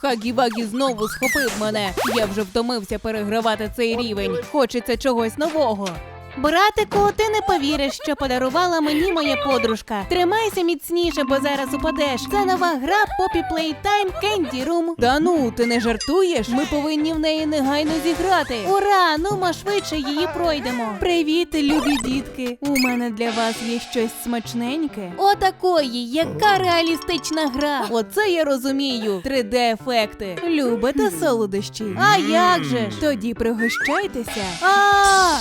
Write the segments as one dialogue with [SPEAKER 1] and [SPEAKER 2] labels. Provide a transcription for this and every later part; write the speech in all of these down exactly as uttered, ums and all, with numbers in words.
[SPEAKER 1] Хагі-Вагі знову схопив мене. Я вже втомився перегравати цей рівень. Хочеться чогось нового. Братику, ти не повіриш, що подарувала мені моя подружка. Тримайся міцніше, бо зараз упадеш. Це нова гра Poppy Playtime Candy Room. Та ну, ти не жартуєш? Ми повинні в неї негайно зіграти. Ура! Ну, ми швидше її пройдемо. Привіт, любі дітки. У мене для вас є щось смачненьке. Отакої, яка реалістична гра. Оце я розумію. три де-ефекти. Любите солодощі? А як же ж? Тоді пригощайтеся. А!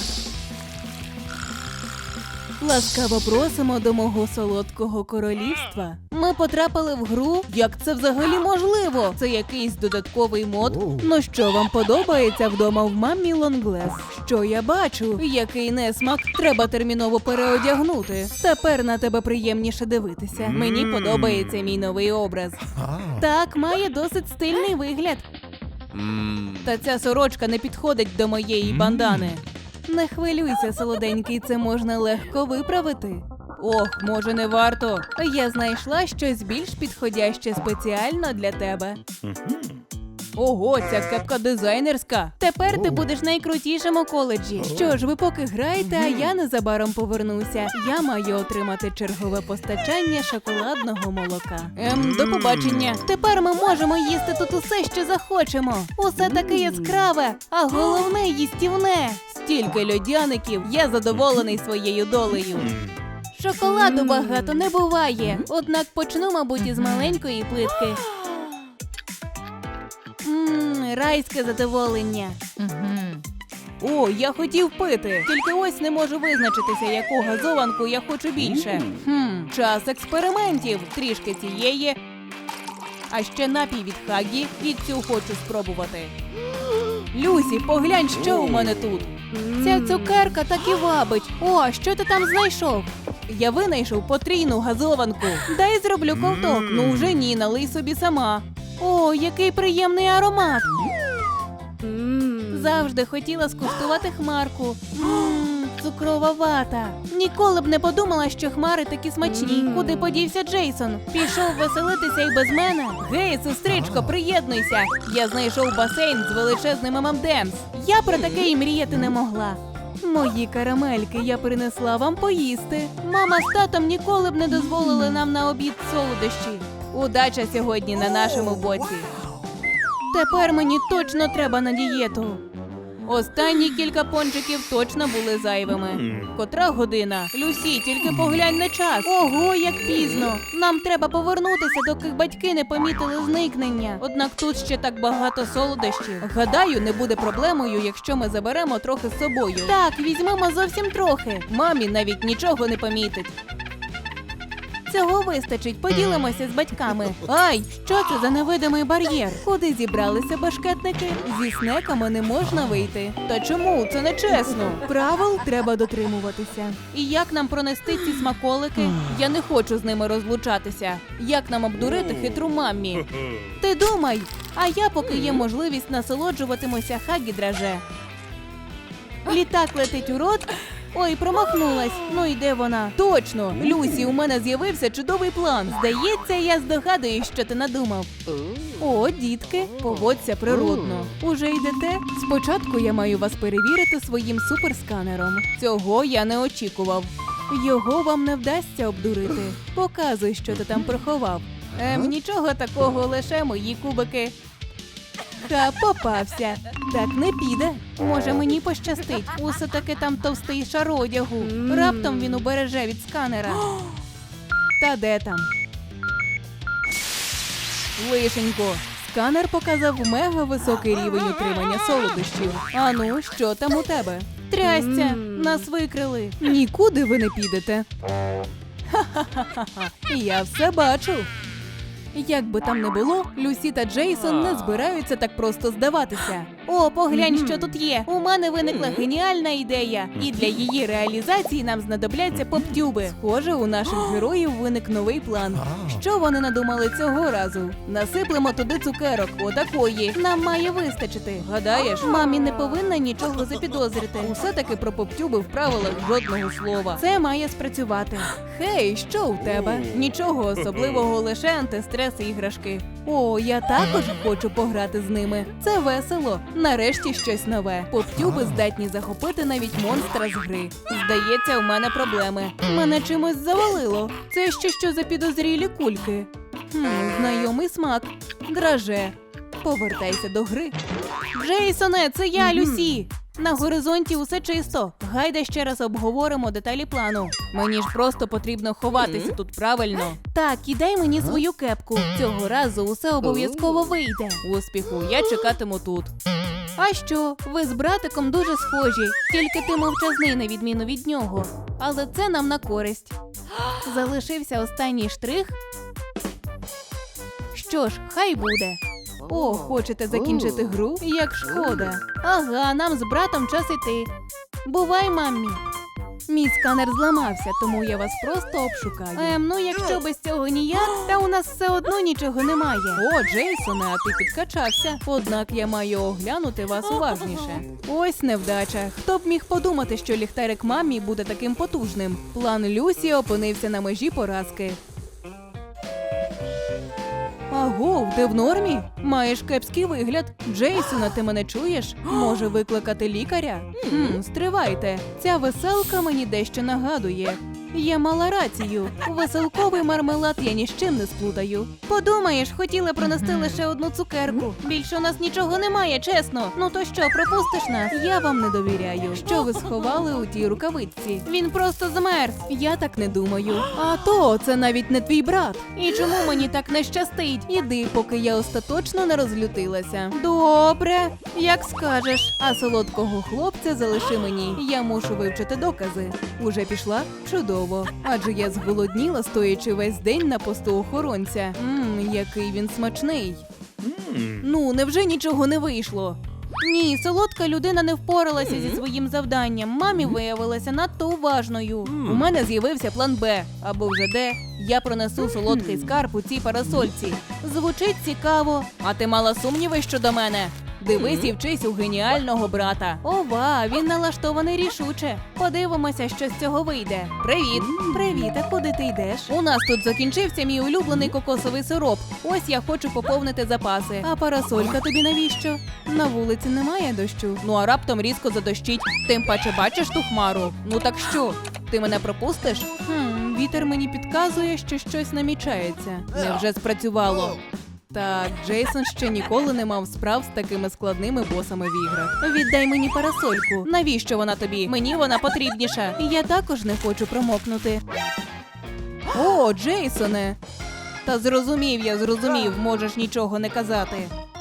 [SPEAKER 1] Ласкаво просимо до мого солодкого королівства. Ми потрапили в гру? Як це взагалі можливо? Це якийсь додатковий мод? Ну що, вам подобається вдома в мамі Лонглес? Що я бачу? Який несмак? Треба терміново переодягнути. Тепер на тебе приємніше дивитися. Мені подобається мій новий образ. Так, має досить стильний вигляд. Та ця сорочка не підходить до моєї бандани. Не хвилюйся, солоденький, це можна легко виправити. Ох, може не варто. Я знайшла щось більш підходяще спеціально для тебе. Ого, ця кепка дизайнерська. Тепер ти будеш найкрутішим у коледжі. Що ж, ви поки граєте, а я незабаром повернуся. Я маю отримати чергове постачання шоколадного молока. Ем, до побачення. Тепер ми можемо їсти тут усе, що захочемо. Усе таке яскраве, а головне їстівне. Стільки льодяників, я задоволений своєю долею. Шоколаду багато не буває, однак почну, мабуть, із маленької плитки. Ммм, райське задоволення. О, я хотів пити, тільки ось не можу визначитися, яку газованку я хочу більше. Хм, час експериментів. Трішки цієї, а ще напій від Хагі, і цю хочу спробувати. Люсі, поглянь, що у мене тут. Ця цукерка так і вабить. О, що ти там знайшов? Я винайшов потрійну газованку. Дай зроблю ковток. Ну вже ні, налий собі сама. О, який приємний аромат. Завжди хотіла скуштувати хмарку. Ммм, цукрова вата. Ніколи б не подумала, що хмари такі смачні. Куди подівся Джейсон? Пішов веселитися і без мене? Гей, сестричко, приєднуйся. Я знайшов басейн з величезним ем ем демс. Я про таке і мріяти не могла. Мої карамельки, я принесла вам поїсти. Мама з татом ніколи б не дозволили нам на обід солодощі. Удача сьогодні на нашому боці. Тепер мені точно треба на дієту. Останні кілька пончиків точно були зайвими. Котра година? Люсі, тільки поглянь на час. Ого, як пізно. Нам треба повернутися, доки батьки не помітили зникнення. Однак тут ще так багато солодощів. Гадаю, не буде проблемою, якщо ми заберемо трохи з собою. Так, візьмемо зовсім трохи. Мамі навіть нічого не помітить. Цього вистачить, поділимося з батьками. Ай, що це за невидимий бар'єр? Куди зібралися башкетники? Зі снеками не можна вийти. Та чому? Це нечесно. Правил треба дотримуватися. І як нам пронести ці смаколики? Я не хочу з ними розлучатися. Як нам обдурити хитру мамі? Ти думай, а я, поки є можливість, насолоджуватимуся Хагі-драже. Літак летить у рот. Ой, промахнулась. Ну і де вона? Точно! Люсі, у мене з'явився чудовий план. Здається, я здогадуюсь, що ти надумав. О, дітки, поводься природно. Уже йдете? Спочатку я маю вас перевірити своїм суперсканером. Цього я не очікував. Його вам не вдасться обдурити. Показуй, що ти там приховав. Ем, нічого такого, лише мої кубики. Ха, попався. Так не піде. Може, мені пощастить. Усе таки там товстий шар одягу. Раптом він убереже від сканера. Та де там? Лишенько. Сканер показав мега високий рівень утримання солодощів. Ану, що там у тебе? Трясця, нас викрили. Нікуди ви не підете. Ха-ха-ха-ха. Я все бачу. Як би там не було, Люсі та Джейсон не збираються так просто здаватися. О, поглянь, що тут є. У мене виникла геніальна ідея. І для її реалізації нам знадобляться поп-тюби. Схоже, у наших героїв виник новий план. Що вони надумали цього разу? Насиплемо туди цукерок. Отакої. Нам має вистачити. Гадаєш, мамі не повинна нічого запідозрити. Усе-таки про поп-тюби в правилах жодного слова. Це має спрацювати. Хей, що у тебе? Нічого особливого, лише антистрес і іграшки. О, я також хочу пограти з ними. Це весело. Нарешті щось нове. Поп-тюби здатні захопити навіть монстра з гри. Здається, у мене проблеми. Мене чимось завалило. Це ще що за підозрілі кульки? Хм, знайомий смак. Драже. Повертайся до гри. Джейсоне, це я, Люсі! На горизонті усе чисто. Гайда ще раз обговоримо деталі плану. Мені ж просто потрібно ховатися тут правильно. Так, і дай мені свою кепку. Цього разу усе обов'язково вийде. Успіху, я чекатиму тут. А що? Ви з братиком дуже схожі. Тільки ти мовчазний на відміну від нього. Але це нам на користь. Залишився останній штрих. Що ж, хай буде. О, хочете закінчити гру? Як шкода. Ага, нам з братом час іти. Бувай, мамі. Мій сканер зламався, тому я вас просто обшукаю. Ем, ну якщо без цього ніяк, та у нас все одно нічого немає. О, Джейсоне, а ти підкачався. Однак я маю оглянути вас уважніше. Ось невдача. Хто б міг подумати, що ліхтарик мамі буде таким потужним? План Люсі опинився на межі поразки. Агов, ти в нормі? Маєш кепський вигляд. Джейсона, ти мене чуєш? Може викликати лікаря? Хм, стривайте. Ця веселка мені дещо нагадує. Я мала рацію. Веселковий мармелад я ні з чим не сплутаю. Подумаєш, хотіла пронести лише одну цукерку. Більше у нас нічого немає, чесно. Ну то що, пропустиш нас? Я вам не довіряю. Що ви сховали у тій рукавичці? Він просто змерз. Я так не думаю. А то, це навіть не твій брат. І чому мені так не щастить? Іди, поки я остаточно не розлютилася. Добре, як скажеш. А солодкого хлопця залиши мені. Я мушу вивчити докази. Уже пішла? Чудово. Адже я зголодніла, стоячи весь день на посту охоронця. Ммм, який він смачний. Ну, невже нічого не вийшло? Ні, солодка людина не впоралася зі своїм завданням. Мамі виявилася надто уважною. У мене з'явився план Б, або вже Д. Я пронесу солодкий скарб у цій парасольці. Звучить цікаво. А ти мала сумніви щодо мене? Дивись і вчись у геніального брата. Ова, він налаштований рішуче. Подивимося, що з цього вийде. Привіт. Привіт, а куди ти йдеш? У нас тут закінчився мій улюблений кокосовий сироп. Ось я хочу поповнити запаси. А парасолька тобі навіщо? На вулиці немає дощу. Ну а раптом різко задощить. Тим паче бачиш ту хмару? Ну так що? Ти мене пропустиш? Хм, вітер мені підказує, що щось намічається. Невже спрацювало? Так, Джейсон ще ніколи не мав справ з такими складними босами в іграх. Віддай мені парасольку. Навіщо вона тобі? Мені вона потрібніша. І я також не хочу промокнути. О, Джейсоне! Та зрозумів я, зрозумів, можеш нічого не казати.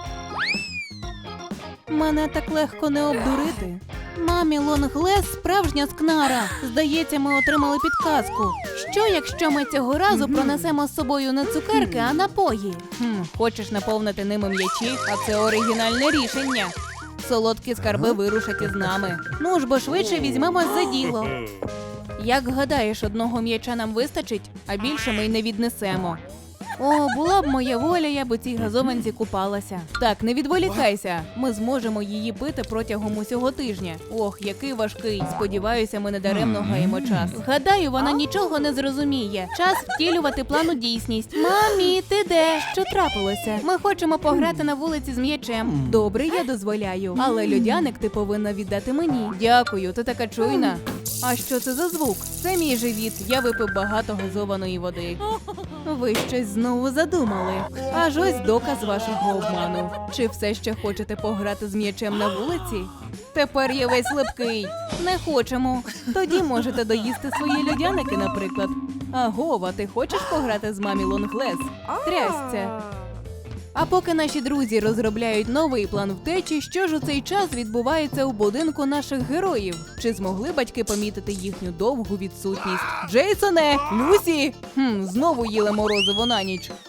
[SPEAKER 1] Мене так легко не обдурити. Мамі Лонглес справжня скнара. Здається, ми отримали підказку. Що, якщо ми цього разу пронесемо з собою не цукерки, а напої? Хм, хочеш наповнити ними м'ячі? А це оригінальне рішення. Солодкі скарби вирушать із нами. Ну ж бо швидше візьмемось за діло. Як гадаєш, одного м'яча нам вистачить, а більше ми й не віднесемо. О, була б моя воля, я б у цій газованці купалася. Так, не відволікайся. Ми зможемо її пити протягом усього тижня. Ох, який важкий. Сподіваюся, ми не даремно гаємо час. Гадаю, вона нічого не зрозуміє. Час втілювати план у дійсність. Мамі, ти де? Що трапилося? Ми хочемо пограти на вулиці з м'ячем. Добре, я дозволяю. Але льодяник ти повинна віддати мені. Дякую, ти така чуйна. А що це за звук? Це мій живіт. Я випив багато газованої води. Ви щось знову задумали. Аж ось доказ вашого обману. Чи все ще хочете пограти з м'ячем на вулиці? Тепер я весь липкий. Не хочемо. Тоді можете доїсти свої льодяники, наприклад. Агова, ти хочеш пограти з мамі Лонглес? Трясця. А поки наші друзі розробляють новий план втечі, що ж у цей час відбувається у будинку наших героїв? Чи змогли батьки помітити їхню довгу відсутність? Джейсоне! Люсі! Хм, знову їли морозиво на ніч.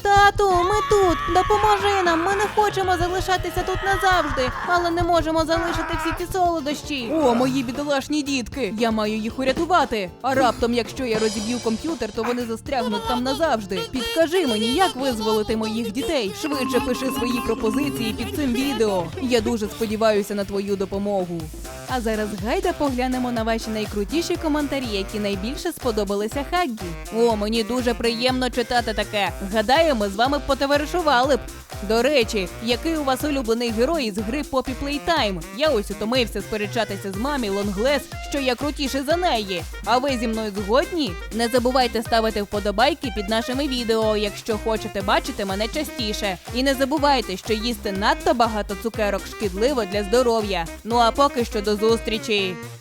[SPEAKER 1] Тату, ми тут! Допоможи нам! Ми не хочемо залишатися тут назавжди, але не можемо залишити всі ці солодощі. О, мої бідолашні дітки! Я маю їх урятувати. А раптом, якщо я розіб'ю комп'ютер, то вони застрягнуть там назавжди. Підкажи мені, як визволити моїх дітей. Швидше пиши свої пропозиції під цим відео. Я дуже сподіваюся на твою допомогу. А зараз гайда поглянемо на ваші найкрутіші коментарі, які найбільше сподобалися Хаггі. О, мені дуже приємно читати таке. Гадаю, ми з вами потоваришували б. До речі, який у вас улюблений герой із гри Poppy Playtime? Я ось утомився сперечатися з мамі Лонглес, що я крутіший за неї. А ви зі мною згодні? Не забувайте ставити вподобайки під нашими відео, якщо хочете бачити мене частіше. І не забувайте, що їсти надто багато цукерок шкідливо для здоров'я. Ну а поки що до зустрічі!